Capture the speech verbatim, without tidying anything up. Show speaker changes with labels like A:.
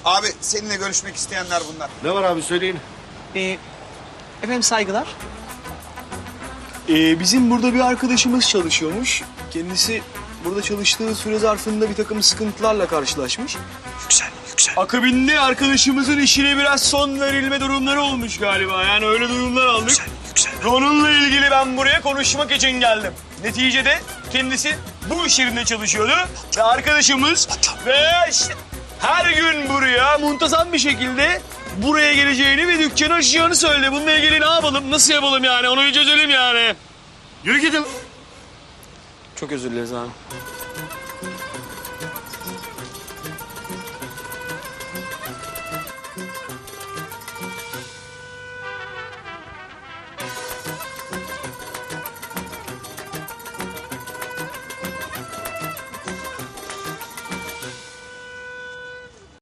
A: Abi seninle görüşmek isteyenler bunlar.
B: Ne var abi söyleyin.
C: Ee, efendim saygılar. Ee, bizim burada bir arkadaşımız çalışıyormuş. Kendisi burada çalıştığı süre zarfında bir takım sıkıntılarla karşılaşmış.
A: Yüksel, yüksel.
C: Akabinde arkadaşımızın işine biraz son verilme durumları olmuş galiba. Yani öyle durumlar aldık.
A: Yüksel, yüksel.
C: Onunla ilgili ben buraya konuşmak için geldim. Neticede kendisi bu iş yerinde çalışıyordu. Ve arkadaşımız ve işte her gün buraya muntazam bir şekilde buraya geleceğini ve dükkanı açacağını söyledi. Bununla ilgili ne yapalım, nasıl yapalım yani onu bir çözelim yani.
B: Yürü gidin.
C: Çok özür dileriz abi.